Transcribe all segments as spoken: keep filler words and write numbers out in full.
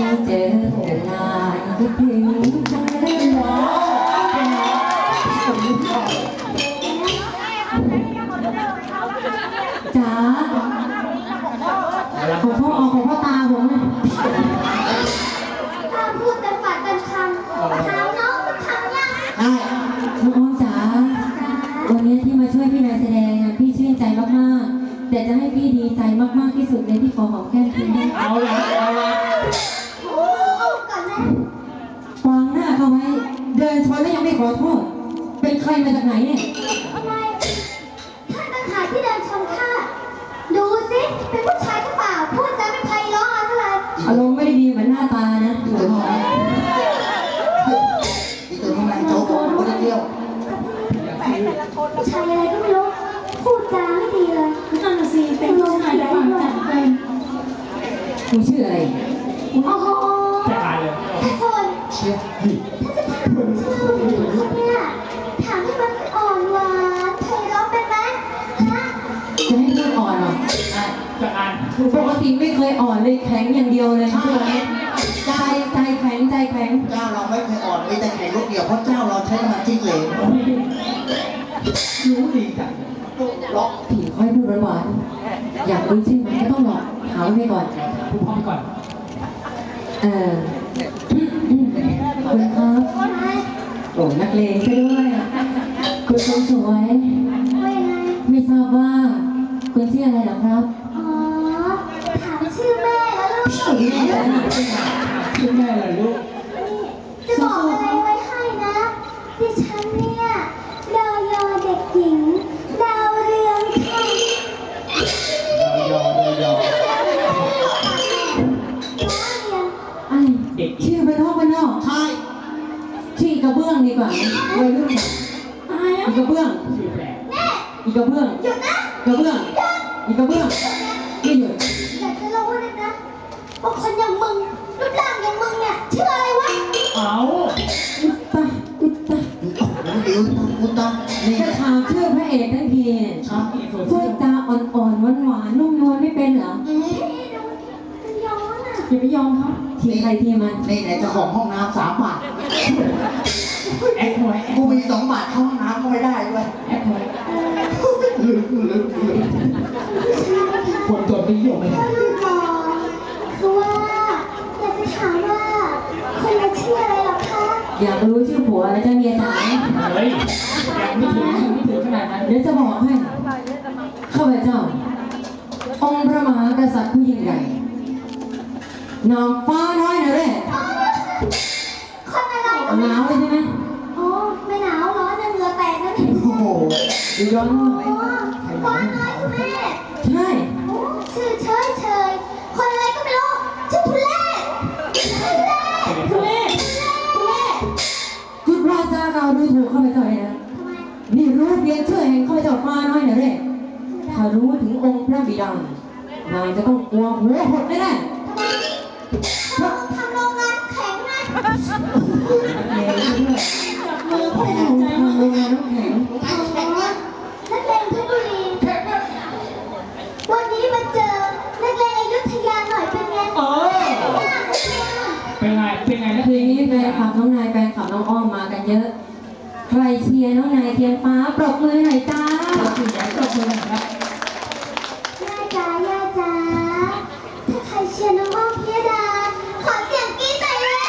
เจอลานคิดถึงจังเลยหมอจ๋าของพ่ออของพ่อตาผมนะถ้าพูดเต็มปากเต็มคำถามน้องสักคำยังได้น้องอ้อมจ๋าวันนี้ที่มาช่วยพี่นายแสดงพี่ชื่นใจมากๆแต่จะให้พี่ดีใจมากๆที่สุดเลยที่ขอหอมแก้มพี่เอาละเอาละโอ้ก่อนนะวางหน้าเขาไว้เดินชนแล้วยังไม่ขอโทษเป็นใครมาจากไหนเนี่ยทำไมท่านต่างหากที่เดินชนข้าดูสิเป็นผู้ชายหรือเปล่าพูดจาไม่ไพเราะอะไรอารมณ์ไม่ได้ดีเหมือนหน้าตานะอีตัวนี้อีตัวนี้มันโจ๊กคนเดียวผู้ชายอะไรก็ไม่รู้พูดจาไม่ดีเลยนั่นสิเป็นผู้ชายแต่ฝังจัดเป็นคุณชื่ออะไรโอ้โหจะอ่านเลยท่านคนเชี่ยถ้าจะถามชื่อคนเนี่ยถามให้มันอ่อนหวานไพเราะเป็นไหมฮะจะให้พูดอ่อนหรอจะอ่านปกติไม่เคยอ่อนเลยแข็งอย่างเดียวเลยใจใจแข็งใจแข็งเจ้าเราไม่เคยอ่อนมีแต่แข็งลูกเดียวเพราะเจ้าเราใช้น้ำมันจิ้งเหลวรู้ดีจังล็อกผีค่อยพูดหวานอยากรู้ชื่อมันก็ต้องหลอกถามไปก่อนพูดพร้อมก่อนเออคุณครับโอ้นักเลงซะด้วยคุณคนสวยไม่ทราบว่าคุณชื่ออะไรหรอครับอ๋อถามชื่อแม่แล้วลูกชื่อแม่แล้วชื่อแม่เหรอลูกจะบอกอะไรไว้ให้นะดิฉันเนี่ยดาวยอเด็กหญิงดาวเรืองค่ะยอดยออะไรชื่อเป็นห้องเป็นนอกใช่ชื่อกระเบื้องดีกว่าวัยรุ่นอีกระเบื้องชื่อแปลกอีกระเบื้องหยุดนะกระเบื้องอีกระเบื้องไม่หยุดอยากจะรู้เลยนะว่าคนอย่างมึงรูปร่างอย่างมึงเนี่ยชื่ออะไรวะเอาอุตตะอุตตะดิวอุตตะนี่จะถามชื่อพระเอกทั้งทีพูดจาอ่อนๆหวานๆนุ่มนวลไม่เป็นเหรอย้อนอ่ะอย่าไปยอมเขาทีใครทีมันนี่ไหนเจ้าของห้องน้ำสามบาทแอคหน่อยกูมีสองบาทเข้าห้องน้ำก็ไม่ได้ด้วยแอคหน่อยลืมลืมลืมคนจนไม่ยอมไม่ได้คือว่าอยากจะถามว่าคนเราชื่ออะไรหรอคะอยากรู้ชื่อผัวแล้วจะเมียจ๋าเฮ้ยยังไม่ถึงไม่ถึงขนาดนั้นเดี๋ยวจะบอกให้ข้าพเจ้าองค์พระมหากษัตริย์ผู้ยิ่งใหญ่นางฟ้าน้อยนะเร่คนอะไรหนาวเลยใช่ไหมโอ้ไม่หนาวร้อนเหงื่อแตกแล้วนี่โอ้โหดูร้อนฟ้าน้อยคุณแม่ใช่ชื่อเฉยเฉยคนอะไรก็ไม่รู้ชื่อทุเล่ทุเล่ทุเล่ทุเล่คุณพระเจ้าเราดูถูกข้าพเจ้าเลยนะนี่รู้เพียงชื่อแห่งข้าพเจ้าฟ้าน้อยนะเร่ถ้ารู้ถึงองค์พระบิดานางจะต้องกลัวหัวหดแน่ทำโรงงานแข็งไงจับมือพ่อใจทำโรงงานน้ำแข็งนักเลงเพชรบุรีวันนี้มาเจอนักเลงอยุธยาหน่อยเป็นไงเออเป็นไงเป็นไงนักเลงนี้แฟนคลับน้องนายแฟนคลับน้องอ้อมมากันเยอะใครเชียร์น้องนายเทียนฟ้าปรบมือหน่อยจ้าปรบมือปรบมือหน่อยครับย่าจ๋าย่าจ๋าถ้าใครเชียร์น้องอ้อมพิยดาขอเสียงกรี๊ดหน่อยเลย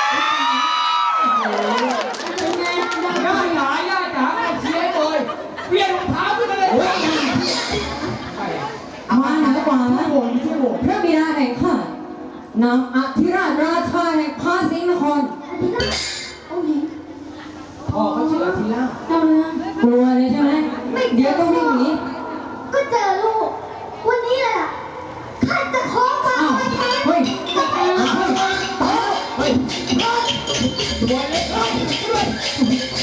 เป็นไงย่าจ๋าย่าจ๋าเชียร์เลยเวียนรองเท้าขึ้นมาเลยมาเหนือกว่าพระบิดาแห่งข้านางอธิราชราชาแห่งพาสิงห์นครองค์หญิงพ่อเขาชื่ออธิราชเจ้าเรืองกลัวเลยใช่ไหมเดี๋ยวต้องวิ่งหนีก็เจอลูกวันนี้แหละข้าจะขอมาเฮ้ยเฮ้ยเฮ้ยตัวเล็กเฮ้ย